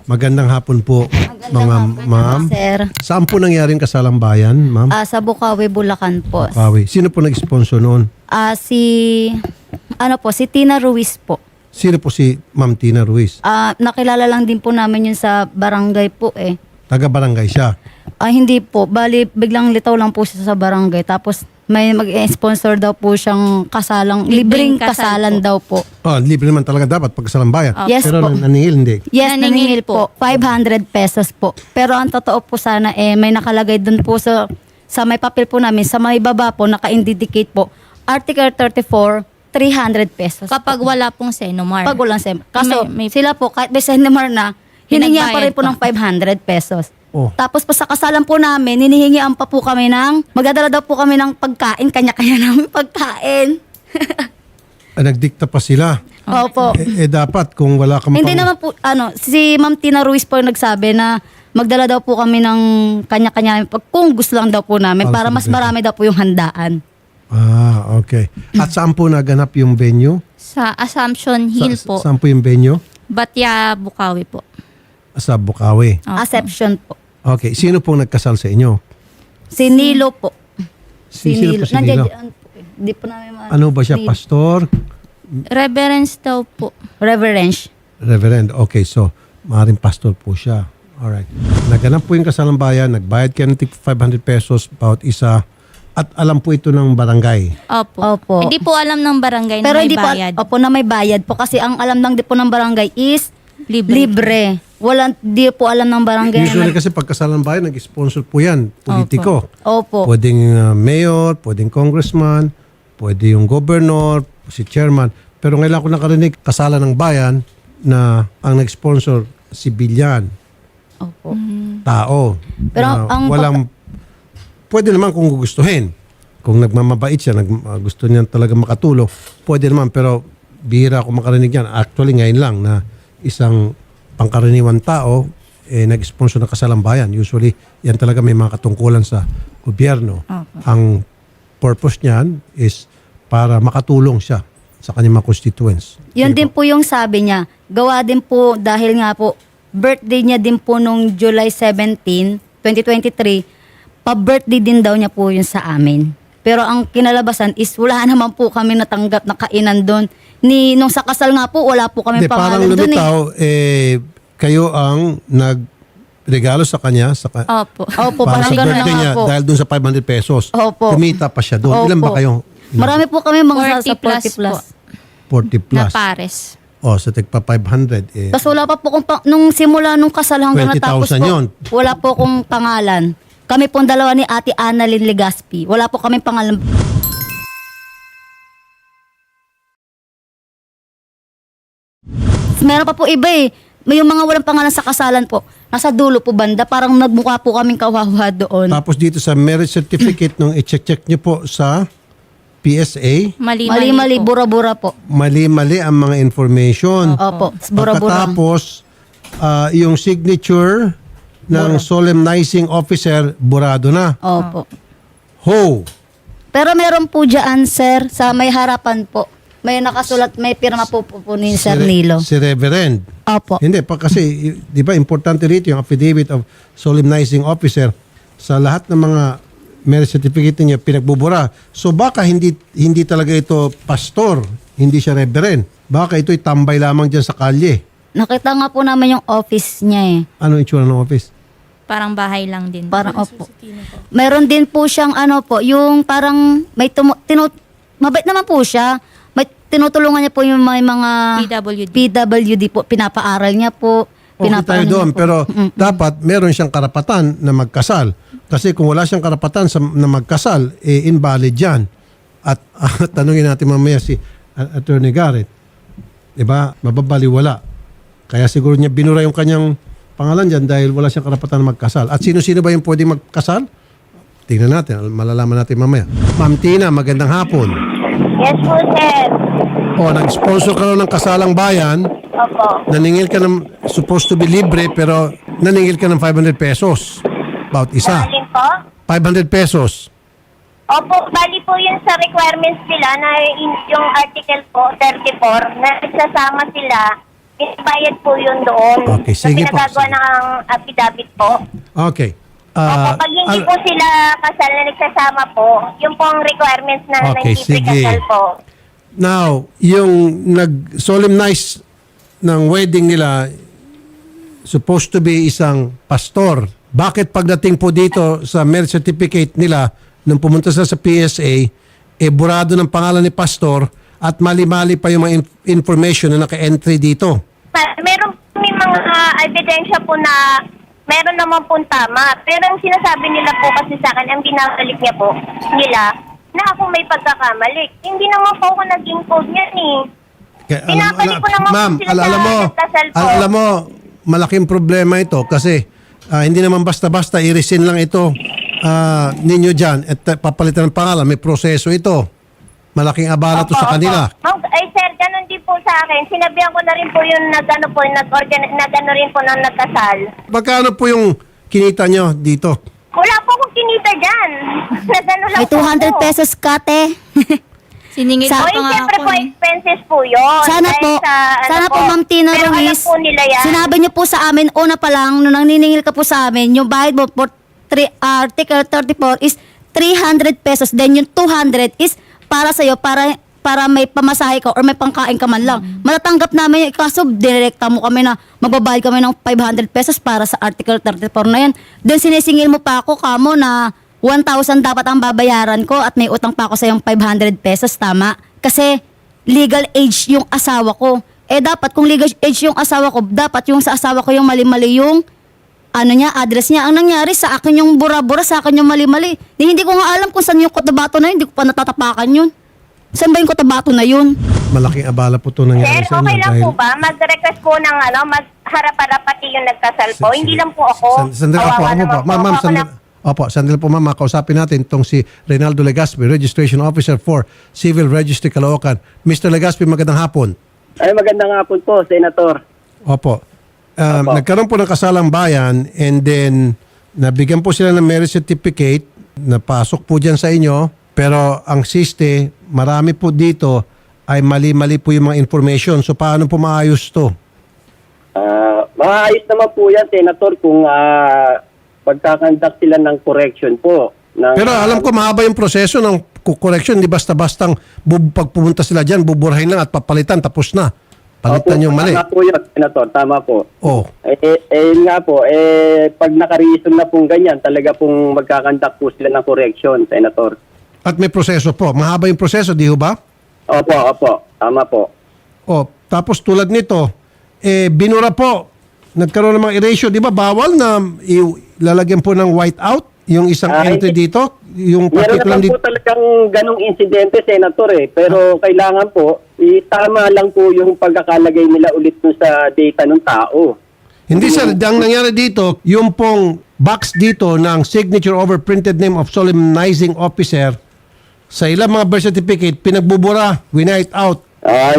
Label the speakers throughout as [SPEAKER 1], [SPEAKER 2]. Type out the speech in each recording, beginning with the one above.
[SPEAKER 1] Magandang hapon po, mga ma'am.
[SPEAKER 2] Sir,
[SPEAKER 1] Saan po nangyari yung kasalang bayan, ma'am?
[SPEAKER 2] sa Bukawi, Bulacan po.
[SPEAKER 1] Kawi. Sino po nag-sponsor noon?
[SPEAKER 2] Si Tina Ruiz po.
[SPEAKER 1] Sino po si Ma'am Tina Ruiz?
[SPEAKER 2] Nakilala lang din po namin yun sa barangay po eh.
[SPEAKER 1] Taga-barangay siya.
[SPEAKER 2] Hindi po, bali biglang litaw lang po siya sa barangay. Tapos may mag-sponsor daw po siyang kasalang, libreng kasalan daw po.
[SPEAKER 1] Libre naman talaga dapat pag kasalang bayan.
[SPEAKER 2] Yes
[SPEAKER 1] Pero
[SPEAKER 2] po.
[SPEAKER 1] naningil, hindi.
[SPEAKER 2] Yes,
[SPEAKER 3] Naningil
[SPEAKER 2] naningil po. 500 pesos po. Pero ang totoo po sana may nakalagay dun po sa may papel po namin, sa may baba po, naka-indicate po, Article 34, 300 pesos.
[SPEAKER 3] Kapag wala pong Senomar.
[SPEAKER 2] Pag walang sem. Kaso
[SPEAKER 3] May-
[SPEAKER 2] sila po, kahit may Senemar na, hiningihan pa rin po ng
[SPEAKER 3] Pinagbayad
[SPEAKER 2] 500 pesos.
[SPEAKER 1] Oh.
[SPEAKER 2] Tapos pa sa kasalan po namin, hinihingian pa po kami magdadala daw po kami ng pagkain, kanya-kanya namin pagkain.
[SPEAKER 1] Nagdikta pa sila.
[SPEAKER 2] Opo.
[SPEAKER 1] Dapat kung wala kang
[SPEAKER 2] Hindi naman po, si Ma'am Tina Ruiz po yung nagsabi na magdala daw po kami ng kanya-kanya kung gusto lang daw po namin para mas marami daw po yung handaan.
[SPEAKER 1] Okay. At saan po naganap yung venue?
[SPEAKER 3] Sa Assumption Hill po.
[SPEAKER 1] Saan po yung venue?
[SPEAKER 3] Batya, Bukawi po.
[SPEAKER 1] Sa Bukawi.
[SPEAKER 3] Opo.
[SPEAKER 2] Acception po.
[SPEAKER 1] Okay. Sino pong nagkasal sa inyo?
[SPEAKER 2] Si Nilo po.
[SPEAKER 1] Sino po si
[SPEAKER 2] Nandiyan
[SPEAKER 1] Nilo?
[SPEAKER 2] dyan po eh. Di po namin
[SPEAKER 1] Ano ba siya?
[SPEAKER 2] Nilo.
[SPEAKER 1] Pastor?
[SPEAKER 3] Reverence daw po.
[SPEAKER 2] Reverend.
[SPEAKER 1] Reverend. Okay, so maaaring pastor po siya. Alright. Naganap po yung kasalang bayan, nagbayad kayo ng 500 pesos bawat isa at alam po ito ng barangay.
[SPEAKER 3] Opo.
[SPEAKER 2] Opo.
[SPEAKER 3] Hindi po alam ng barangay
[SPEAKER 2] Pero
[SPEAKER 3] na may
[SPEAKER 2] hindi po,
[SPEAKER 3] bayad.
[SPEAKER 2] opo, na may bayad po. Kasi ang alam lang din po ng barangay is libre. Di po alam ng barangay.
[SPEAKER 1] Usually kasi pagkasalang bayan, nag-sponsor po yan, politiko.
[SPEAKER 2] Opo.
[SPEAKER 1] Pwedeng mayor, pwedeng congressman, pwede yung governor, si chairman. Pero ngayon ko nakarinig, kasalan ng bayan na ang nag-sponsor, sibilyan,
[SPEAKER 2] Opo.
[SPEAKER 1] tao.
[SPEAKER 2] Pero
[SPEAKER 1] na
[SPEAKER 2] ang
[SPEAKER 1] pwede naman kung gugustuhin. Kung nagmamabait siya, gusto niya talaga makatulong, pwede naman. Pero bihira ako makarinig yan. Actually, ngayon lang na isang pangkaraniwan tao nag-sponsor ng kasalang bayan. Usually, yan talaga may mga katungkulan sa gobyerno. Ang purpose niyan is para makatulong siya sa kanyang mga constituents.
[SPEAKER 2] Yun din po yung sabi niya. Gawa din po dahil nga po, birthday niya din po nung July 17, 2023. Pa-birthday din daw niya po yun sa amin. Pero ang kinalabasan is wala naman po kami natanggap na kainan doon. Nung sa kasal nga po, wala po kami
[SPEAKER 1] Parang
[SPEAKER 2] pangalan doon
[SPEAKER 1] lumitaw, kayo ang nagregalo sa kanya
[SPEAKER 3] Opo.
[SPEAKER 2] Opo,
[SPEAKER 1] para
[SPEAKER 2] parang
[SPEAKER 1] sa
[SPEAKER 2] gano'n
[SPEAKER 1] birthday
[SPEAKER 2] nga
[SPEAKER 1] niya
[SPEAKER 2] po.
[SPEAKER 1] dahil doon sa 500 pesos.
[SPEAKER 2] Opo.
[SPEAKER 1] Kumita pa siya doon. Ilan ba
[SPEAKER 2] Opo.
[SPEAKER 1] kayo?
[SPEAKER 2] Marami po kami mga
[SPEAKER 3] 40
[SPEAKER 2] sa 40 plus.
[SPEAKER 3] plus
[SPEAKER 1] 40
[SPEAKER 3] Na
[SPEAKER 1] plus.
[SPEAKER 3] pares.
[SPEAKER 1] Sa tigpa 500.
[SPEAKER 2] Tapos wala pa po nung simula nung kasal hanggang
[SPEAKER 1] 20,000
[SPEAKER 2] natapos po,
[SPEAKER 1] yun.
[SPEAKER 2] wala po akong pangalan. Kami pong dalawa ni Ate Annalyn Legaspi. Wala po kami pangalan. Meron pa po iba eh. May yung mga walang pangalan sa kasalan po. Nasa dulo po banda. Parang nagmukha po kaming kawawa doon.
[SPEAKER 1] Tapos dito sa marriage certificate nung i-check nyo po sa PSA,
[SPEAKER 2] Mali-mali,
[SPEAKER 3] po.
[SPEAKER 2] bura-bura po.
[SPEAKER 1] mali-mali ang mga information.
[SPEAKER 2] Opo, bura-bura.
[SPEAKER 1] Pagkatapos, yung signature ng solemnizing officer, burado na.
[SPEAKER 2] Opo.
[SPEAKER 1] Ho!
[SPEAKER 2] Pero meron po dyan, sir, sa may harapan po. May nakasulat, may pirma po ni Sir Nilo.
[SPEAKER 1] Si Reverend.
[SPEAKER 2] Opo.
[SPEAKER 1] Hindi, kasi, di ba, importante rito yung affidavit of solemnizing officer sa lahat ng mga marriage certificate niya pinagbubura. So baka hindi talaga ito pastor, hindi siya reverend. Baka ito'y tambay lamang dyan sa kalye.
[SPEAKER 2] Nakita nga po namin yung office niya eh.
[SPEAKER 1] Ano yung itsura ng office?
[SPEAKER 3] Parang bahay lang din.
[SPEAKER 2] Parang opo. Meron din po siyang yung parang may mabait naman po siya. May tinutulungan niya po yung may mga PWD po. Pinapaaral niya po.
[SPEAKER 1] Okay tayo doon,
[SPEAKER 2] niya po.
[SPEAKER 1] pero dapat meron siyang karapatan na magkasal. Kasi kung wala siyang karapatan na magkasal, invalid yan. At tanungin natin mamaya si Attorney Garrett. Diba? Mababaliwala. Kaya siguro niya binura yung kanyang pangalan dyan dahil wala siyang karapatan na magkasal. At sino-sino ba yung pwedeng magkasal? Tingnan natin. Malalaman natin mamaya. Ma'am Tina, magandang hapon.
[SPEAKER 4] Yes po, sir.
[SPEAKER 1] Nag-sponsor ka raw ng kasalang bayan.
[SPEAKER 4] Opo.
[SPEAKER 1] Naningil ka ng supposed to be libre pero naningil ka ng 500 pesos. About isa.
[SPEAKER 4] Alin po?
[SPEAKER 1] 500 pesos.
[SPEAKER 4] Opo, bali po yun sa requirements nila na yung Article po, 34, na nagsasama sila Pinabayad po yun doon.
[SPEAKER 1] Okay, sige po,
[SPEAKER 4] Pinagagawa
[SPEAKER 1] sige.
[SPEAKER 4] ng affidavit po.
[SPEAKER 1] Okay.
[SPEAKER 4] Opo, pag hindi po sila kasal na nagsasama po, yung pong requirements na
[SPEAKER 1] Okay,
[SPEAKER 4] ng libre
[SPEAKER 1] sige.
[SPEAKER 4] kasal po.
[SPEAKER 1] Now, yung nag-solemnize ng wedding nila, supposed to be isang pastor. Bakit pagdating po dito sa marriage certificate nila, nung pumunta sila sa PSA, burado ng pangalan ni pastor at mali-mali pa yung mga information na naka-entry dito?
[SPEAKER 4] Meron may mga ebidensya po na meron naman pong tama. Pero ang sinasabi nila po kasi sa akin, ang binabalik niya po nila, na ako may pagkakamali. Hindi naman po ako naging code niyan eh. Pinabalik ko naman
[SPEAKER 1] ma'am,
[SPEAKER 4] po sila sa nagkasal po.
[SPEAKER 1] alam mo, malaking problema ito kasi hindi naman basta-basta i-resign lang ito ninyo dyan at papalitan ng pangalan. May proseso ito. Malaking abala to sa kanila.
[SPEAKER 4] Ay sir, ganun din po sa akin. Sinabihan ko na rin po yung nag-ano rin po ng nagkasal.
[SPEAKER 1] Magkano po yung kinita nyo dito?
[SPEAKER 4] Wala po akong kinita dyan. Nagano lang
[SPEAKER 2] May 200
[SPEAKER 4] po.
[SPEAKER 2] pesos kate.
[SPEAKER 3] Siningil
[SPEAKER 2] Sa-
[SPEAKER 3] pa
[SPEAKER 4] Oy,
[SPEAKER 3] nga
[SPEAKER 4] siyempre
[SPEAKER 3] ako
[SPEAKER 4] po,
[SPEAKER 3] eh.
[SPEAKER 4] expenses po yun.
[SPEAKER 2] Sana
[SPEAKER 4] Dahil
[SPEAKER 2] po, sana po Ma'am Tina
[SPEAKER 4] Pero
[SPEAKER 2] Ruiz,
[SPEAKER 4] alam po nila yan.
[SPEAKER 2] sinabi niyo po sa amin, una pa lang, nung naniningil ka po sa amin, yung bayad mo for Article 34 is 300 pesos. Then yung 200 is para sa'yo, para may pamasahe ka or may pangkain ka man lang. Matatanggap namin yung kaso, direkta mo kami na magbabayad kami ng 500 pesos para sa Article 34 na yan. Then sinisingil mo pa ako, kamo, na 1,000 dapat ang babayaran ko at may utang pa ako sa yung 500 pesos, tama? Kasi legal age yung asawa ko. Dapat kung legal age yung asawa ko, dapat yung sa asawa ko yung mali-mali yung address niya. Ang nangyari sa akin yung bura-bura, sa akin yung mali-mali. Hindi ko nga alam kung saan yung Cotabato na yun, hindi ko pa natatapakan yun. Saan ba yung Cotabato na yun?
[SPEAKER 1] Malaking abala po ito nangyari
[SPEAKER 4] Sir,
[SPEAKER 1] sa inyo.
[SPEAKER 4] okay lang
[SPEAKER 1] dahil-
[SPEAKER 4] po ba? Mag-request po ng magharap-harap pati yung nagkasal po.
[SPEAKER 1] Sige.
[SPEAKER 4] Hindi lang po ako.
[SPEAKER 1] Sandali po,
[SPEAKER 4] Kawawa
[SPEAKER 1] ako
[SPEAKER 4] naman
[SPEAKER 1] po. Ma'am,
[SPEAKER 4] Ako
[SPEAKER 1] sandali.
[SPEAKER 4] lang-
[SPEAKER 1] Opo, sandali po ma'am, makausapin natin itong si Reynaldo Legaspi, Registration Officer for Civil Registry Caloocan. Mr. Legaspi, magandang hapon.
[SPEAKER 5] Ay, magandang hapon po, Senator.
[SPEAKER 1] Opo.
[SPEAKER 5] Opo.
[SPEAKER 1] Nagkaroon po ng kasalang bayan and then nabigyan po sila ng marriage certificate, napasok po dyan sa inyo, pero ang siste, marami po dito ay mali-mali po yung mga information. So paano po maayos to?
[SPEAKER 5] Maayos naman po yan, Senator, kung pagkakandak sila ng correction po.
[SPEAKER 1] Pero alam ko mahaba yung proseso ng correction, hindi basta-bastang pag pumunta sila dyan, buburahin lang at papalitan, tapos na. Palitan yung mali.
[SPEAKER 5] Tama po yun, Senator, tama po.
[SPEAKER 1] Oh.
[SPEAKER 5] Yun nga po, pag naka-reason na pong ganyan, talaga pong magkakandak po sila ng correction, Senator.
[SPEAKER 1] At may proseso po. Mahaba yung proseso, di ho ba?
[SPEAKER 5] Opo, tama po.
[SPEAKER 1] Oh, tapos tulad nito, binura po. Nagkaroon ng mga erasure, di ba? Bawal na lalagyan po ng whiteout yung isang entry
[SPEAKER 5] hindi.
[SPEAKER 1] dito. Yung
[SPEAKER 5] Meron
[SPEAKER 1] particular
[SPEAKER 5] naman
[SPEAKER 1] dito.
[SPEAKER 5] po talagang ganong insidente, Senator, pero kailangan po, tama lang po yung pagkakalagay nila ulit dun sa data ng tao.
[SPEAKER 1] Hindi sir, ang nangyari dito, yung pong box dito ng signature over printed name of solemnizing officer sa ilang mga birth certificate, pinagbubura, winite out.
[SPEAKER 5] Ay,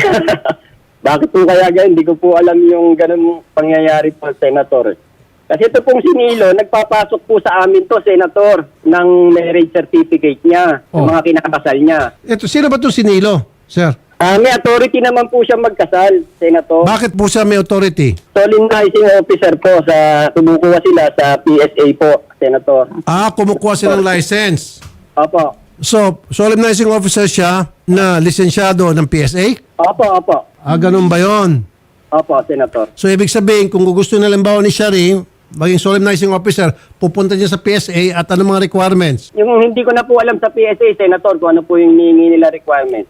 [SPEAKER 5] bakit po kaya ganyan? Hindi ko po alam yung ganun pangyayari po, Senator. Kasi ito pong sinilo, nagpapasok po sa amin to, Senator, ng marriage certificate niya,
[SPEAKER 1] Oh.
[SPEAKER 5] ng mga kinakasal niya.
[SPEAKER 1] Ito, sino ba itong sinilo, sir?
[SPEAKER 5] May authority naman po siya magkasal, Senator.
[SPEAKER 1] Bakit po siya may authority?
[SPEAKER 5] Solemnizing officer po, tumukuha sila sa PSA po, Senator.
[SPEAKER 1] Kumukuha silang license.
[SPEAKER 5] Opo.
[SPEAKER 1] So, solemnizing officer siya na lisensyado ng PSA?
[SPEAKER 5] Opo.
[SPEAKER 1] Ganun ba yun?
[SPEAKER 5] Opo, Senator.
[SPEAKER 1] So, ibig sabihin, kung gusto na limbawa ni Shari, maging solemnizing officer, pupunta niya sa PSA at ano mga requirements?
[SPEAKER 5] Yung hindi ko na po alam sa PSA, Senator, kung ano po yung hinihingi nila requirements.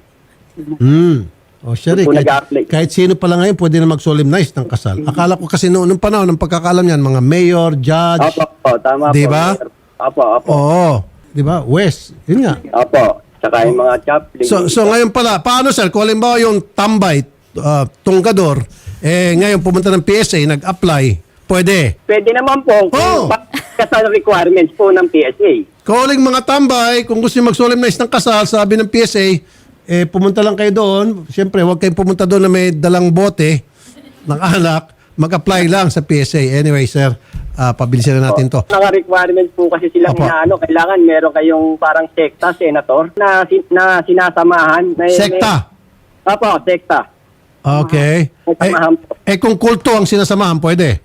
[SPEAKER 1] O, Shari,
[SPEAKER 5] Kung nag-apply.
[SPEAKER 1] kahit sino pala ngayon pwede na mag-solemnize ng kasal. Akala ko kasi noong panahon, ng pagkakalam niyan, mga mayor, judge,
[SPEAKER 5] Opo, tama
[SPEAKER 1] Di
[SPEAKER 5] po.
[SPEAKER 1] ba?
[SPEAKER 5] Opo.
[SPEAKER 1] oo, di ba? West, yun nga.
[SPEAKER 5] Opo. Tsaka yung mga chaplain.
[SPEAKER 1] So ngayon pala, paano sir, kung halimbawa yung tambay, tunggador, ngayon pumunta ng PSA, nag-apply, pwede.
[SPEAKER 5] Pwede naman po
[SPEAKER 1] Oh!
[SPEAKER 5] kung kasal requirements po ng PSA.
[SPEAKER 1] Calling mga tambay, kung gusto nyo mag-solemnize ng kasal, sabi ng PSA, pumunta lang kayo doon. Siyempre, huwag kayong pumunta doon na may dalang bote ng alak. Mag-apply lang sa PSA. Anyway, sir, pabilisin na natin to.
[SPEAKER 5] Naka-requirements po kasi silang
[SPEAKER 1] Opo.
[SPEAKER 5] kailangan meron kayong parang sekta, Senator, na sinasamahan.
[SPEAKER 1] Sekta.
[SPEAKER 5] Opo, sekta.
[SPEAKER 1] Okay.
[SPEAKER 5] Sasamahan po.
[SPEAKER 1] Kung kulto ang sinasamahan, pwede.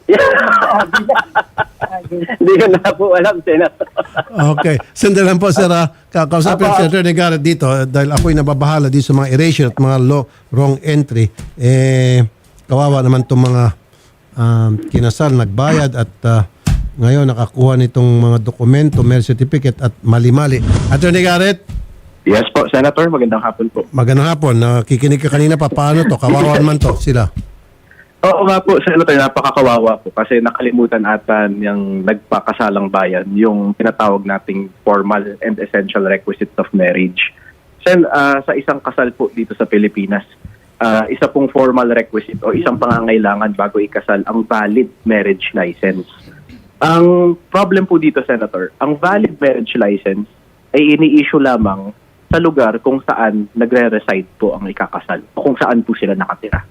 [SPEAKER 5] Hindi ko na po alam, Senator.
[SPEAKER 1] Okay. Sandali lang po, sir. Kakausapin
[SPEAKER 5] Apo.
[SPEAKER 1] si Attorney Garrett dito dahil ako'y nababahala dito sa mga erasure at mga wrong entry. Kawawa naman itong mga kinasal, nagbayad at ngayon nakakuha nitong mga dokumento, marriage certificate at mali-mali. Attorney Garrett,
[SPEAKER 6] Yes po, Senator. Magandang hapon po.
[SPEAKER 1] magandang hapon. Nakikinig ka kanina pa. Paano to? Kawawa naman to sila.
[SPEAKER 6] Oo nga po, Senator. Napakakawawa po kasi nakalimutan ata yung nagpakasalang bayan, yung tinatawag nating formal and essential requisites of marriage. Sa isang kasal po dito sa Pilipinas, isa pong formal requisite o isang pangangailangan bago ikasal ang valid marriage license. Ang problem po dito, Senator, ang valid marriage license ay ini-issue lamang sa lugar kung saan nagre-reside po ang ikakasal o kung saan po sila nakatira.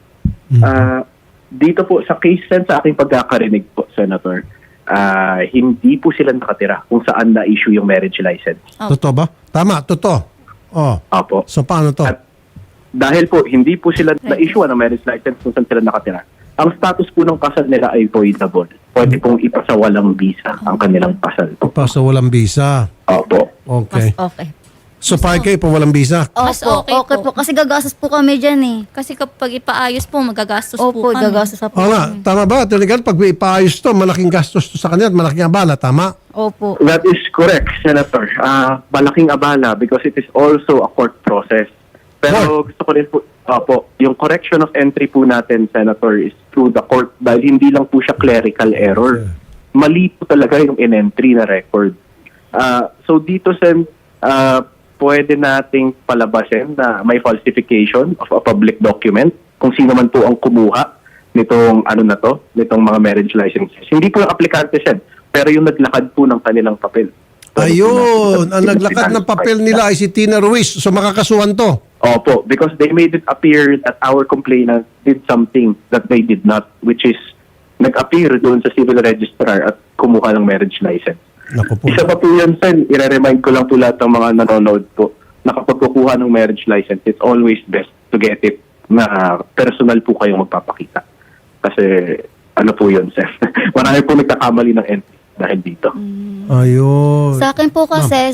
[SPEAKER 6] Dito po sa case sa aking pagkakarinig po, Senator, hindi po sila nakatira kung saan na-issue yung marriage license.
[SPEAKER 1] Totoo ba? Tama, totoo. Oh.
[SPEAKER 6] Opo.
[SPEAKER 1] So paano to?
[SPEAKER 6] At dahil po hindi po sila na-issue ng marriage license kung saan sila nakatira, ang status po ng kasal nila ay voidable. Pwede pong ipasawalang visa ang kanilang kasal.
[SPEAKER 1] Pa sa walang visa.
[SPEAKER 6] Opo.
[SPEAKER 1] Okay.
[SPEAKER 2] Okay.
[SPEAKER 1] So pa kayo pa walang visa?
[SPEAKER 3] Mas
[SPEAKER 2] Opo,
[SPEAKER 3] okay
[SPEAKER 2] okay
[SPEAKER 3] po.
[SPEAKER 2] po. Kasi gagastos po kami dyan eh.
[SPEAKER 3] Kasi kapag ipaayos po, magagastos
[SPEAKER 2] Opo,
[SPEAKER 3] po kami.
[SPEAKER 2] gagastos po
[SPEAKER 1] Oo nga,
[SPEAKER 2] kami.
[SPEAKER 1] tama ba? Attorney Garrett, pag ipaayos to, malaking gastos to sa kanila at malaking abala, tama?
[SPEAKER 2] Opo.
[SPEAKER 6] That is correct, Senator. Malaking abala because it is also a court process. Pero gusto ko rin po, opo, yung correction of entry po natin, Senator, is through the court dahil hindi lang po siya clerical error. Mali po talaga yung in-entry na record. So dito, Sen, pwede nating palabasin na may falsification of a public document kung sino man po ang kumuha nitong nitong mga marriage licenses. Hindi po yung aplikante, Sen, pero yung naglakad po ng kanilang papel.
[SPEAKER 1] Ayun, ang naglakad ng papel nila ay si Tina Ruiz. So makakasuhan to.
[SPEAKER 6] Opo, because they made it appear that our complainant did something that they did not, which is nag-appear doon sa civil registrar at kumuha ng marriage license.
[SPEAKER 1] Naku po.
[SPEAKER 6] Isa pa po yan, Sen, i-remind ko lang po lahat ng mga nanonood po na kapag kukuha ng marriage license, it's always best to get it na personal po kayong magpapakita. Kasi ano po yun, Sen. Marami po nagkakamali ng entry dahil dito.
[SPEAKER 1] Ayun.
[SPEAKER 2] Sa akin po kasi,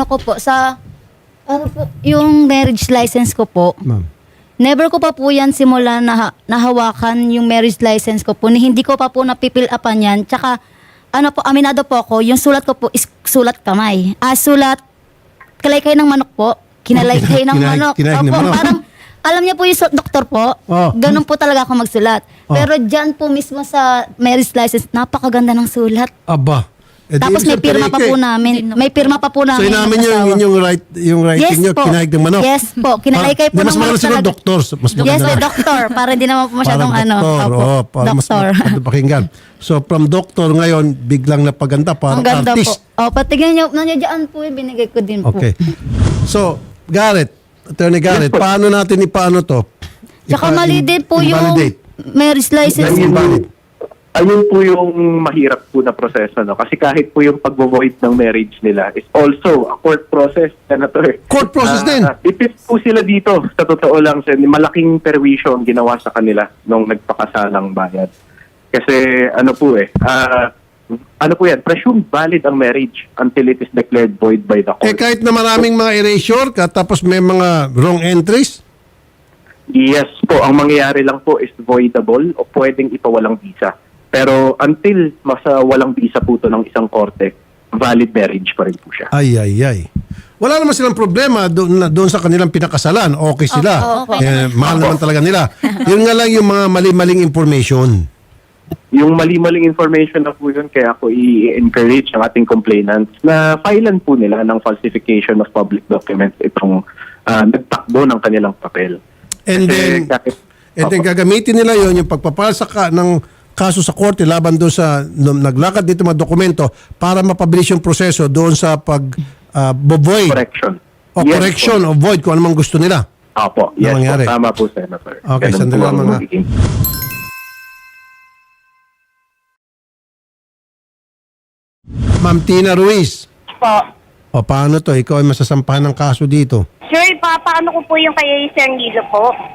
[SPEAKER 2] yung marriage license ko po,
[SPEAKER 1] Ma'am.
[SPEAKER 2] never ko pa po yan simula na nahawakan yung marriage license ko po. Hindi ko pa po napipil-upan yan. Tsaka, aminado po ako, yung sulat ko po is sulat kamay. Sulat, kalaykay ng manok po. Kinalaykay ng manok.
[SPEAKER 1] Kinalayk ng
[SPEAKER 2] Opo,
[SPEAKER 1] manok.
[SPEAKER 2] parang, alam niya po yung doktor po.
[SPEAKER 1] Oh.
[SPEAKER 2] Ganun po talaga ako magsulat.
[SPEAKER 1] Oh.
[SPEAKER 2] Pero dyan po mismo sa marriage license, napakaganda ng sulat.
[SPEAKER 1] Aba.
[SPEAKER 2] Tapos may pirma pa po namin. May pirma pa po
[SPEAKER 1] So
[SPEAKER 2] namin.
[SPEAKER 1] inamin nyo
[SPEAKER 2] mag-asawa.
[SPEAKER 1] yung writing nyo, kinaig ng manok.
[SPEAKER 2] Yes po. Kinalaykay po
[SPEAKER 1] Mas
[SPEAKER 2] ng manok
[SPEAKER 1] maganda siguro
[SPEAKER 2] talaga.
[SPEAKER 1] doktor. Mas
[SPEAKER 2] Yes
[SPEAKER 1] maganda
[SPEAKER 2] po,
[SPEAKER 1] na.
[SPEAKER 2] doktor. Para hindi naman po masyadong
[SPEAKER 1] Parang doktor.
[SPEAKER 2] Opo,
[SPEAKER 1] Para mas
[SPEAKER 2] doktor.
[SPEAKER 1] pakinggan. So from doctor ngayon, biglang napaganda, parang
[SPEAKER 2] Ang ganda
[SPEAKER 1] artist.
[SPEAKER 2] po. Patignan nyo. Nandiyan po yung binigay ko din po.
[SPEAKER 1] Okay. So, Garrett, Attorney Garrett, paano natin ipaano to?
[SPEAKER 2] Tsaka mali din po yung
[SPEAKER 1] invalidate.
[SPEAKER 2] marriage license.
[SPEAKER 1] Invalid.
[SPEAKER 6] Ayun po yung mahirap po na proseso, no? Kasi kahit po yung pag-void ng marriage nila is also a court process, Senator.
[SPEAKER 1] Court process din?
[SPEAKER 6] Ipit po sila dito, sa totoo lang, Sen. Malaking perwisyo ang ginawa sa kanila nung nagpakasalang bayad. Kasi presumed valid ang marriage until it is declared void by the court.
[SPEAKER 1] Kahit na maraming mga erasure ka, tapos may mga wrong entries,
[SPEAKER 6] Yes po, ang mangyayari lang po is voidable o pwedeng ipawalang visa. Pero until walang visa po to ng isang korte, valid marriage pa rin po siya.
[SPEAKER 1] ay. Wala naman silang problema doon sa kanilang pinakasalan. Okay sila.
[SPEAKER 2] Opo.
[SPEAKER 1] Mahal naman talaga nila. Yun nga lang yung mga mali-maling information.
[SPEAKER 6] Yung mali-maling information na po yun, kaya ako i-encourage ang ating complainants na filean po nila ng falsification of public documents itong nagtakbo ng kanilang papel.
[SPEAKER 1] And then gagamitin nila yon yung pagpapasa ng kaso sa korte laban doon sa naglakad dito mga dokumento para mapabilis yung proseso doon sa void
[SPEAKER 6] Correction.
[SPEAKER 1] o
[SPEAKER 6] Yes
[SPEAKER 1] correction o void kung anong gusto nila.
[SPEAKER 6] Opo. Yes
[SPEAKER 1] mangyari.
[SPEAKER 6] po. Tama po, Senator.
[SPEAKER 1] Okay,
[SPEAKER 6] Ganun
[SPEAKER 1] sandali
[SPEAKER 6] po
[SPEAKER 1] lang
[SPEAKER 6] ang
[SPEAKER 1] mga-
[SPEAKER 6] magiging.
[SPEAKER 1] Ma'am Tina Ruiz,
[SPEAKER 4] Po.
[SPEAKER 1] o paano to? Ikaw ay masasampahan ng kaso dito.
[SPEAKER 4] Sir, papaano ko po yung kay Sir Nilo po?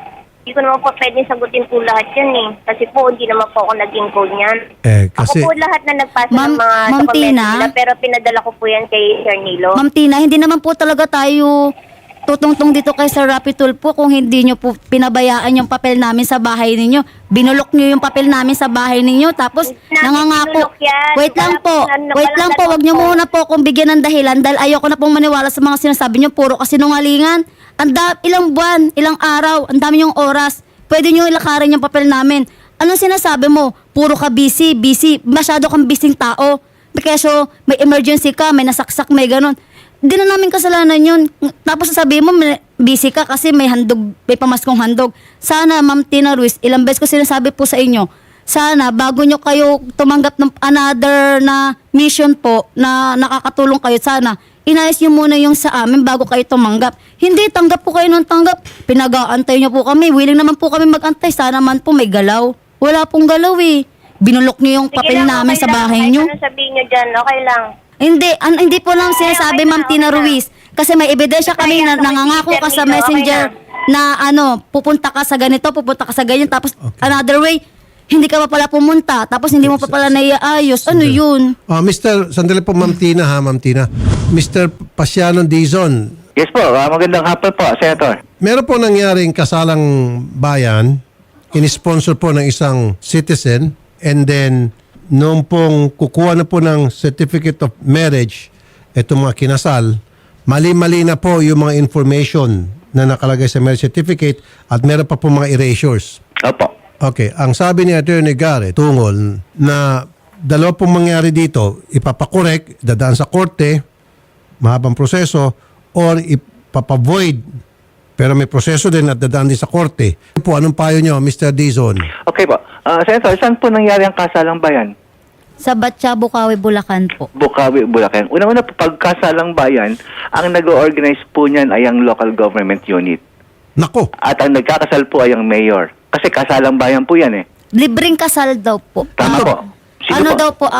[SPEAKER 4] Hindi ko naman po pwedeng sagutin po lahat yan eh. Kasi po, hindi naman po ako naging code niyan.
[SPEAKER 1] Kasi
[SPEAKER 4] Ako po lahat na nagpasa
[SPEAKER 2] Ma'am-
[SPEAKER 4] ng mga
[SPEAKER 2] Ma'am
[SPEAKER 4] dokumento
[SPEAKER 2] Tina?
[SPEAKER 4] nila, pero pinadala ko po yan kay Sir Nilo.
[SPEAKER 2] Ma'am Tina, hindi naman po talaga tayo tutungtong dito kay Sir Rapi Tulfo kung hindi nyo po pinabayaan yung papel namin sa bahay ninyo. Binulok nyo yung papel namin sa bahay ninyo. Tapos
[SPEAKER 4] Namin
[SPEAKER 2] nangangako.
[SPEAKER 4] binulok yan.
[SPEAKER 2] Wait lang
[SPEAKER 4] Wala
[SPEAKER 2] po.
[SPEAKER 4] po, ano,
[SPEAKER 2] Wait
[SPEAKER 4] walang
[SPEAKER 2] lang po.
[SPEAKER 4] ganun
[SPEAKER 2] Wag nyo
[SPEAKER 4] po.
[SPEAKER 2] muna po akong bigyan ng dahilan dahil ayoko na pong maniwala sa mga sinasabi nyo. Puro kasinungalingan. Ilang buwan, ilang araw, ang dami yung oras. Pwede nyo ilakarin yung papel namin. Anong sinasabi mo? Puro ka busy. Masyado kang busy tao. Kasi may emergency ka, may nasaksak, may ganun. Di na namin kasalanan yun. Tapos sasabihin mo, busy ka kasi may handog, may pamaskong handog. Sana, Ma'am Tina Ruiz, ilang beses ko sinasabi po sa inyo, sana bago nyo kayo tumanggap ng another na mission po na nakakatulong kayo, sana inayos nyo muna yung sa amin bago kayo tumanggap. Hindi, tanggap po kayo ng tanggap. Pinag-aantay nyo po kami. Willing naman po kami mag-antay. Sana man po may galaw. Wala pong galaw eh. Binulok nyo yung
[SPEAKER 4] Sige
[SPEAKER 2] papel
[SPEAKER 4] lang,
[SPEAKER 2] namin
[SPEAKER 4] okay
[SPEAKER 2] sa
[SPEAKER 4] lang.
[SPEAKER 2] bahay
[SPEAKER 4] Kahit
[SPEAKER 2] nyo.
[SPEAKER 4] ano sabihin nyo dyan, okay lang.
[SPEAKER 2] Hindi po lang sinasabi,
[SPEAKER 4] okay na,
[SPEAKER 2] Ma'am Tina
[SPEAKER 4] okay na.
[SPEAKER 2] Ruiz. Kasi may ebidensya kami na
[SPEAKER 4] Kaya ako
[SPEAKER 2] nangangako ka sa
[SPEAKER 4] Mr. Nilo,
[SPEAKER 2] messenger
[SPEAKER 4] okay
[SPEAKER 2] na pupunta ka sa ganito, pupunta ka sa ganyan, tapos another way, hindi ka pa pala pumunta, tapos hindi mo pa pala naiayos. Ano yun?
[SPEAKER 1] Sandali po, Ma'am Tina ha, Ma'am Tina. Mr. Pasiano Dizon,
[SPEAKER 7] Yes po, magandang hapon po, Senator.
[SPEAKER 1] meron po nangyaring kasalang bayan, in-sponsor po ng isang citizen, and then noong pong kukuha na po ng certificate of marriage, itong mga kinasal, mali-mali na po yung mga information na nakalagay sa marriage certificate at meron pa po mga erasures.
[SPEAKER 7] Opo.
[SPEAKER 1] Okay, ang sabi ni Attorney Garrett, tungol na dalawa pong mangyari dito, ipapakorek, dadaan sa korte, mahabang proseso, or ipapavoid, pero may proseso din at dadaan din sa korte. Anong payo nyo, Mr. Dizon?
[SPEAKER 7] Okay po. Senator, saan po nangyari ang kasalang bayan?
[SPEAKER 2] Sa Batya, Bukawi, Bulacan po.
[SPEAKER 7] Bukawi, Bulacan. Una-una po, pagkasalang bayan, ang nag-organize po niyan ay ang local government unit.
[SPEAKER 1] Nako,
[SPEAKER 7] At ang nagkakasal po ay ang mayor. Kasi kasalang bayan po yan eh.
[SPEAKER 2] Libreng kasal daw po.
[SPEAKER 7] Tama po. Sino
[SPEAKER 2] Ano
[SPEAKER 7] po?
[SPEAKER 2] daw po,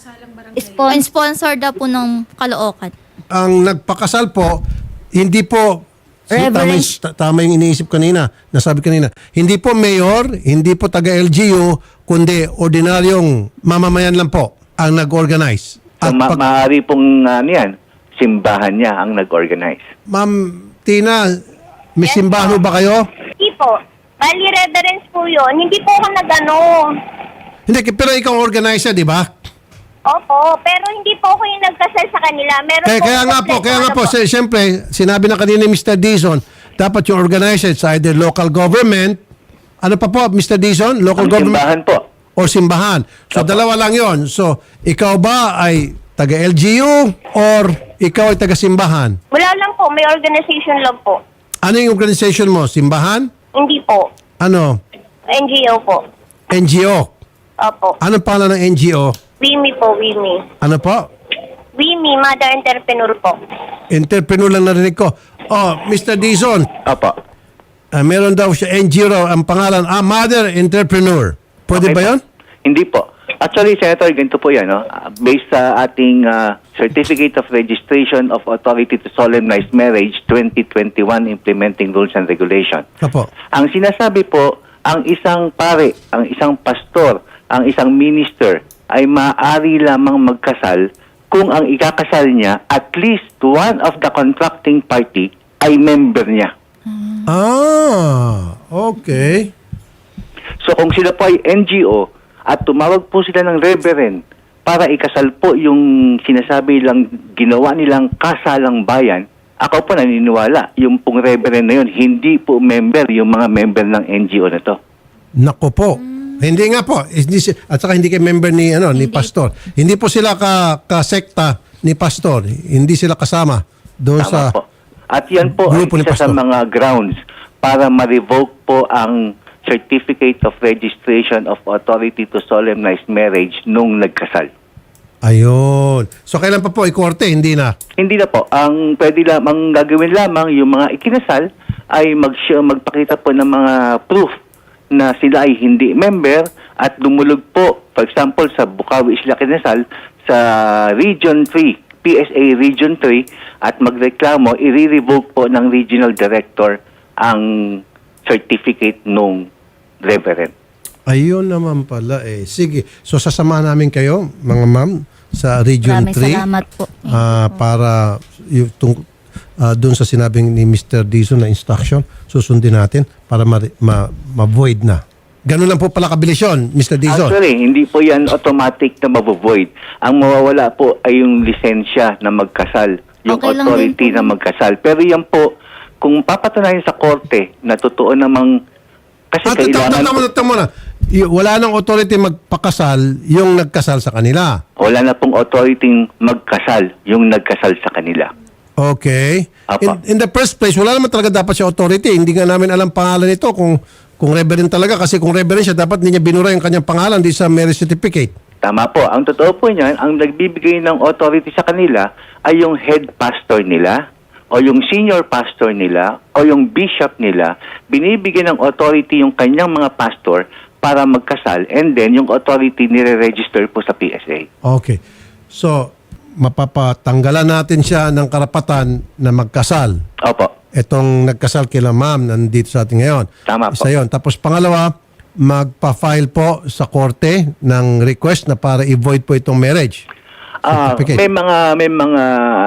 [SPEAKER 3] Sponsor daw po ng Caloocan.
[SPEAKER 1] ang nagpakasal po, hindi po,
[SPEAKER 2] Reverend.
[SPEAKER 1] tama yung iniisip kanina, nasabi kanina, hindi po mayor, hindi po taga-LGU, kundi ordinaryong mamamayan lang po ang nag-organize.
[SPEAKER 7] So,
[SPEAKER 1] At pag,
[SPEAKER 7] maaari pong yan, simbahan niya ang nag-organize.
[SPEAKER 1] Ma'am Tina, may simbahan ho ba kayo?
[SPEAKER 4] Hindi po. Bali, reverence po yun. Hindi po ako nag-ano.
[SPEAKER 1] Hindi, pero ikaw ang organizer, di ba?
[SPEAKER 4] Opo, pero hindi po ako yung nagkasal sa kanila. Meron
[SPEAKER 1] Kaya nga po, siyempre, sinabi na kanina ni Mr. Dizon, dapat yung organizer sa either local government, ano pa po, Mr. Dizon? Local
[SPEAKER 7] Ang
[SPEAKER 1] government
[SPEAKER 7] simbahan po.
[SPEAKER 1] or simbahan. So, dalawa lang yon. So, ikaw ba ay taga-LGU or ikaw ay taga-simbahan?
[SPEAKER 4] Wala lang po, may organization lang po.
[SPEAKER 1] Ano yung organization mo? Simbahan?
[SPEAKER 4] Hindi po.
[SPEAKER 1] Ano?
[SPEAKER 4] NGO po.
[SPEAKER 1] NGO?
[SPEAKER 4] Opo.
[SPEAKER 1] Anong pangalan ng NGO?
[SPEAKER 4] WIMI po, WIMI.
[SPEAKER 1] Ano po?
[SPEAKER 4] WIMI, Mother Entrepreneur po.
[SPEAKER 1] Entrepreneur lang narinig ko. Oh, Mr. Dizon,
[SPEAKER 7] Opo.
[SPEAKER 1] meron daw siya NGO raw, ang pangalan, Mother Entrepreneur. Pwede
[SPEAKER 7] Okay
[SPEAKER 1] ba
[SPEAKER 7] po.
[SPEAKER 1] yun?
[SPEAKER 7] Hindi po. Actually, Senator, ganito po yan. No? Based sa ating Certificate of Registration of Authority to Solemnize Marriage 2021 Implementing Rules and Regulations.
[SPEAKER 1] Apo.
[SPEAKER 7] Ang sinasabi po, ang isang pare, ang isang pastor, ang isang minister ay maaari lamang magkasal kung ang ikakasal niya, at least one of the contracting party ay member niya.
[SPEAKER 1] Okay.
[SPEAKER 7] So kung sila po ay NGO at tumawag po sila ng reverend para ikasal po yung sinasabi lang ginawa nilang kasalang bayan, ako po naniniwala yung pong reverend na yun, hindi po member yung mga member ng NGO na to.
[SPEAKER 1] Nako po. Hindi nga po. At saka hindi kayo member ni ni pastor. Hindi po sila ka-sekta ni pastor. Hindi sila kasama doon
[SPEAKER 7] Tama
[SPEAKER 1] sa
[SPEAKER 7] po. At yan po ay
[SPEAKER 1] grupo ni
[SPEAKER 7] isa sa
[SPEAKER 1] pastor.
[SPEAKER 7] mga grounds para ma-revoke po ang Certificate of Registration of Authority to Solemnize Marriage nung nagkasal.
[SPEAKER 1] Ayun. So kailan pa po ikorte? Hindi na.
[SPEAKER 7] Hindi na po. Ang pwede lamang gagawin lamang yung mga ikinasal ay magpakita po ng mga proof na sila ay hindi member at dumulog po, for example, sa Bukawi sila kinasal sa Region 3, PSA Region 3 at magreklamo, i-revoke po ng Regional Director ang certificate nung reverend.
[SPEAKER 1] Ayun naman pala eh. Sige. So sasamahan namin kayo, mga ma'am, sa Region
[SPEAKER 2] Maraming
[SPEAKER 1] 3.
[SPEAKER 2] salamat po.
[SPEAKER 1] Para doon sa sinabing ni Mr. Dizon na instruction, susundin natin para ma-void na. Ganun lang po pala kabilis yun, Mr. Dizon.
[SPEAKER 7] Actually, hindi po yan automatic na mabuvoid. Ang mawawala po ay yung lisensya na magkasal, yung
[SPEAKER 2] Okay lang
[SPEAKER 7] authority
[SPEAKER 2] din po.
[SPEAKER 7] na magkasal. Pero yan po, kung papatunayan sa korte na totoo namang kasi kailangan
[SPEAKER 1] Tama na. Wala nang authority magpakasal yung nagkasal sa kanila.
[SPEAKER 7] wala na pong authority magkasal yung nagkasal sa kanila.
[SPEAKER 1] Okay.
[SPEAKER 7] Apa.
[SPEAKER 1] In the first place, wala naman talaga dapat siya authority. Hindi nga namin alam pangalan nito kung reverend talaga. Kasi kung reverend siya, dapat hindi niya binura yung kanyang pangalan di sa marriage certificate.
[SPEAKER 7] Tama po. Ang totoo po niyan, ang nagbibigay ng authority sa kanila ay yung head pastor nila o yung senior pastor nila o yung bishop nila. Binibigyan ng authority yung kanyang mga pastor para magkasal, and then yung authority nire-register po sa PSA.
[SPEAKER 1] Okay. So, mapapatanggalan natin siya ng karapatan na magkasal.
[SPEAKER 7] Opo.
[SPEAKER 1] Itong nagkasal kila ma'am nandito sa atin ngayon.
[SPEAKER 7] Tama po.
[SPEAKER 1] Isa yun. Tapos pangalawa, magpa-file po sa korte ng request na para i-void po itong marriage. Certificate.
[SPEAKER 7] May mga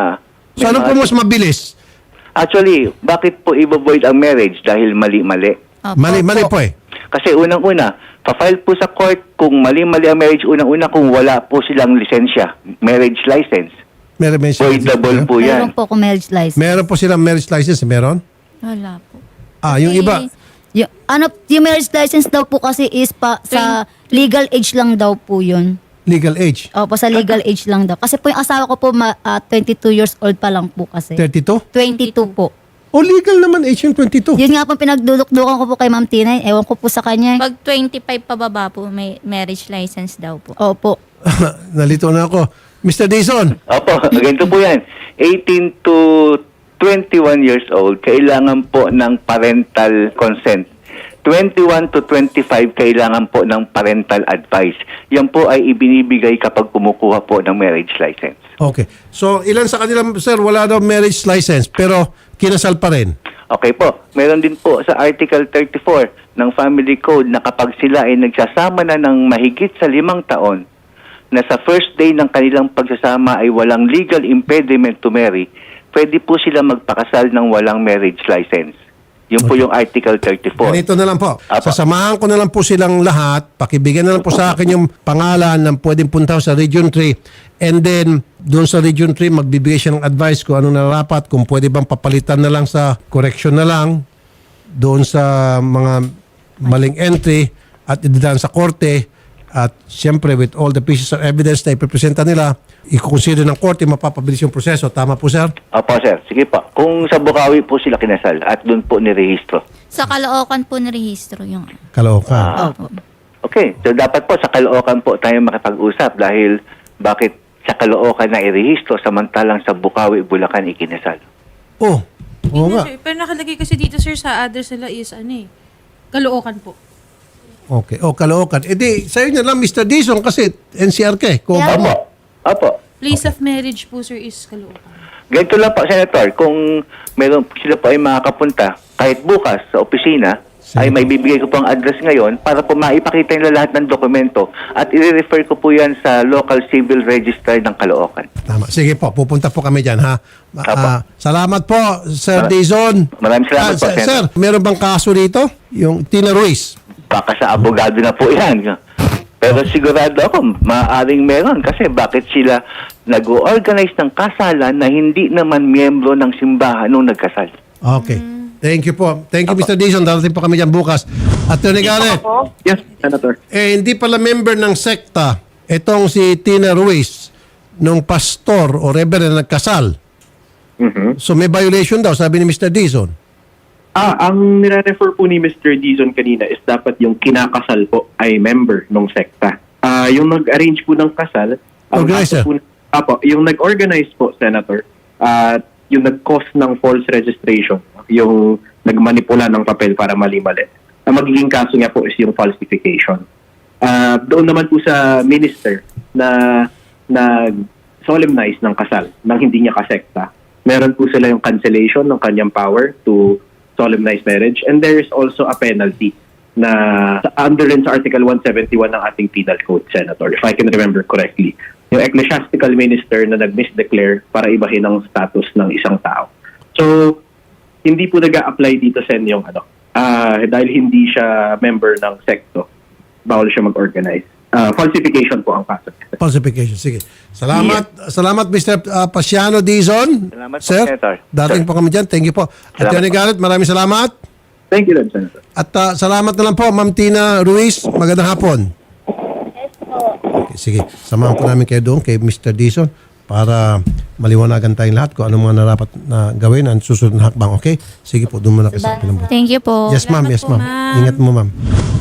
[SPEAKER 1] So, ano po mas mabilis?
[SPEAKER 7] Actually, bakit po i-void ang marriage? Dahil mali-mali.
[SPEAKER 3] Opo.
[SPEAKER 1] Mali po eh.
[SPEAKER 7] Kasi unang-una, pa-file po sa court kung mali-mali ang marriage, unang-una kung wala po silang lisensya, marriage license.
[SPEAKER 1] Meron
[SPEAKER 7] Voidable po
[SPEAKER 2] Meron
[SPEAKER 7] yan.
[SPEAKER 2] po ako marriage license.
[SPEAKER 1] Meron po silang marriage license. Meron?
[SPEAKER 3] Wala po.
[SPEAKER 1] Yung iba.
[SPEAKER 2] Yung marriage license daw po kasi is sa legal age lang daw po yun.
[SPEAKER 1] Legal age.
[SPEAKER 2] Opo, sa legal age lang daw. Kasi po yung asawa ko po 22 years old pa lang po kasi.
[SPEAKER 1] 32?
[SPEAKER 2] 22 po.
[SPEAKER 1] O legal naman age yung 22.
[SPEAKER 2] Yun nga po pinagdulok-dukan ko po kay Ma'am Tinay. Ewan ko po sa kanya.
[SPEAKER 3] Pag 25 pababa po, may marriage license daw po.
[SPEAKER 2] Opo.
[SPEAKER 1] Nalito na ako. Mr. Dizon.
[SPEAKER 7] Opo, ganito po yan. 18 to 21 years old, kailangan po ng parental consent. 21 to 25, kailangan po ng parental advice. Yan po ay ibinibigay kapag kumukuha po ng marriage license.
[SPEAKER 1] Okay. So, ilan sa kanila, sir, wala daw marriage license pero kinasal pa rin.
[SPEAKER 7] Okay po. Meron din po sa Article 34 ng Family Code na kapag sila ay nagsasama na ng mahigit sa 5 taon, na sa first day ng kanilang pagsasama ay walang legal impediment to marry, pwede po sila magpakasal ng walang marriage license. Yun po yung Article 34.
[SPEAKER 1] Ganito na lang po.
[SPEAKER 7] Apo.
[SPEAKER 1] Sasamahan ko na lang po silang lahat. Pakibigyan na lang po sa akin yung pangalan ng pwedeng punta sa Region 3. And then, doon sa Region 3, magbibigay siya ng advice kung anong narapat, kung pwede bang papalitan na lang sa correction na lang, doon sa mga maling entry, at idadaan sa korte. At siyempre, with all the pieces of evidence na ipipresenta nila, i-consider ng korte, mapapabilis yung proseso. Tama po, sir?
[SPEAKER 7] Opo, sir. Sige po. Kung sa Bukawi po sila kinasal at doon po nirehistro.
[SPEAKER 3] Sa Caloocan po nirehistro yung...
[SPEAKER 1] Kaloocan.
[SPEAKER 2] Opo.
[SPEAKER 7] Okay. So, dapat po sa Caloocan po tayo makipag-usap dahil bakit sa Caloocan na irehistro samantalang sa Bukawi, Bulacan ikinasal.
[SPEAKER 1] Oo
[SPEAKER 8] Hindi na,
[SPEAKER 1] nga.
[SPEAKER 8] sir. Pero nakalagay kasi dito, sir, sa address nila is Caloocan po.
[SPEAKER 1] Okay. Kaloocan. E di, sa'yo na lang, Mr. Dizon, kasi NCR ka eh.
[SPEAKER 2] Yeah.
[SPEAKER 7] Opo.
[SPEAKER 8] Place of marriage po, sir, is Caloocan.
[SPEAKER 7] Ganito lang po, Senator. Kung meron sila po ay makakapunta kahit bukas sa opisina, ay may bibigay ko po ang address ngayon para po maipakita nila lahat ng dokumento at i-refer ko po yan sa local civil register ng Caloocan.
[SPEAKER 1] Tama. Sige po, pupunta po kami dyan, ha?
[SPEAKER 7] Apo.
[SPEAKER 1] Salamat po, Sir Dizon.
[SPEAKER 7] Maraming salamat po, Senator.
[SPEAKER 1] Sir, meron bang kaso dito? Yung Tina Ruiz.
[SPEAKER 7] Baka sa abogado na po yan. Pero sigurado ako, maaaring meron kasi bakit sila nag-organize ng kasalan na hindi naman miyembro ng simbahan nung nagkasal.
[SPEAKER 1] Okay. Thank you po. Thank you, Mr. Dizon. Darating po kami dyan bukas. Attorney Garrett,
[SPEAKER 6] Yes, Senator.
[SPEAKER 1] hindi pala member ng sekta itong si Tina Ruiz nung pastor o reverend na nagkasal. So may violation daw, sabi ni Mr. Dizon.
[SPEAKER 9] Ang nire-refer po ni Mr. Dizon kanina is dapat yung kinakasal po ay member ng sekta. Yung nag-arrange po ng kasal,
[SPEAKER 1] Organizer.
[SPEAKER 9] yung nag-organize po, Senator, yung nag-cause ng false registration, yung nagmanipula ng papel para mali-mali. Ang magiging kaso niya po is yung falsification. Doon naman po sa minister na nag-solemnize ng kasal nang hindi niya kasekta, meron po sila yung cancellation ng kanyang power to solemnized marriage. And there is also a penalty na under rin sa Article 171 ng ating Penal Code, Senator, if I can remember correctly. Yung ecclesiastical minister na nag-misdeclare para ibahin ang status ng isang tao. So, hindi po nag-a-apply dito, Sen, yung dahil hindi siya member ng sekto, bawal siya mag-organize. Falsification po ang kaso.
[SPEAKER 1] Falsification. Sige. Salamat Mr. Pasiano Dizon.
[SPEAKER 7] Salamat po,
[SPEAKER 1] Sir,
[SPEAKER 7] Senator.
[SPEAKER 1] dating po kami dyan. Thank you po. Attorney Garrett, maraming salamat.
[SPEAKER 9] Thank you, Senator.
[SPEAKER 1] At salamat na lang po, Ma'am Tina Ruiz. Magandang hapon. Okay, sige. Samahan po namin kayo doon kay Mr. Dizon para maliwanagan tayong lahat kung ano mga narapat na gawin ang susunod na hakbang. Okay? Sige po, doon muna kayo sa pilang.
[SPEAKER 3] Thank you po.
[SPEAKER 1] Yes, ma'am.
[SPEAKER 8] Salamat
[SPEAKER 1] Yes,
[SPEAKER 8] po,
[SPEAKER 1] ma'am.
[SPEAKER 8] ma'am.
[SPEAKER 1] Ingat mo, ma'am.